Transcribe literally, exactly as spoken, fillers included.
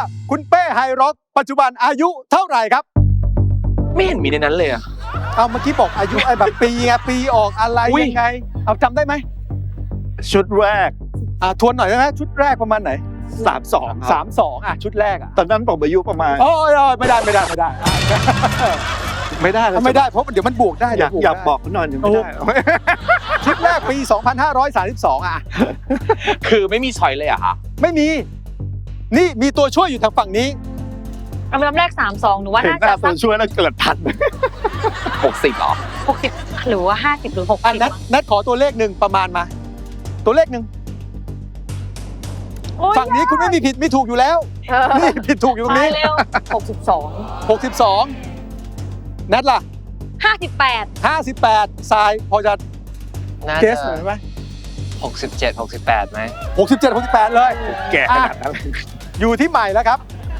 คุณเป้ไฮร็อกปัจจุบันอายุเท่าไหร่ครับไม่เห็นมีในนั้นเลยอะเอาเมื่อกี้บอกอายุไอ้แบบปีไงปีออกอะไรอุ๊ยยังไง เอาจำได้ไหมชุดแรกอ่าทวนหน่อยได้ไหมชุดแรกประมาณไหนสามสองสามสองอ่ะชุดแรกอ่ะตอนนั้นผมอายุประมาณโอ้ยไม่ได้ไม่ได้ไม่ได้ไม่ได้ไม่ได้เพราะเดี๋ยวมันบวกได้อยากเดี๋วอยากได้บอกเขาหน่อยยังไม่ได้ชุดแรกปี สองพันห้าร้อยสามสิบสอง อ่ะคือไม่มีชอยเลยอะคะไม่มี นี่มีตัวช่วยอยู่ทางฝั่งนี้อัลบั้มแรกสามสองหนูว่าเห็นน่าหน้าจะตัสัวกช่วยแล้วเกิดทันหกสิบเหรอหกสิบหรือว่าห้าสิบหรือหกอ่ะสิบนัดนัดขอตัวเลขหนึ่งประมาณมา ตัวเลขหนึ่งฝั่งนี้คุณไม่มีผิดไม่ถูกอยู่แล้ว นี่ผิดถูกอยู่ตรงมานี้เร็วหกสิบสองหกสิบสองนัดล่ะห้าสิบแปดห้าสิบแปดทรายพอจะน่าเกจะสหน่อยไหมหกสิบเจ็ด หกสิบแปดไหมหกสิบเจ็ด หกสิบแปดเลยแก่ขนาดนั้นอยู่ที่ใหม่แล้วครับ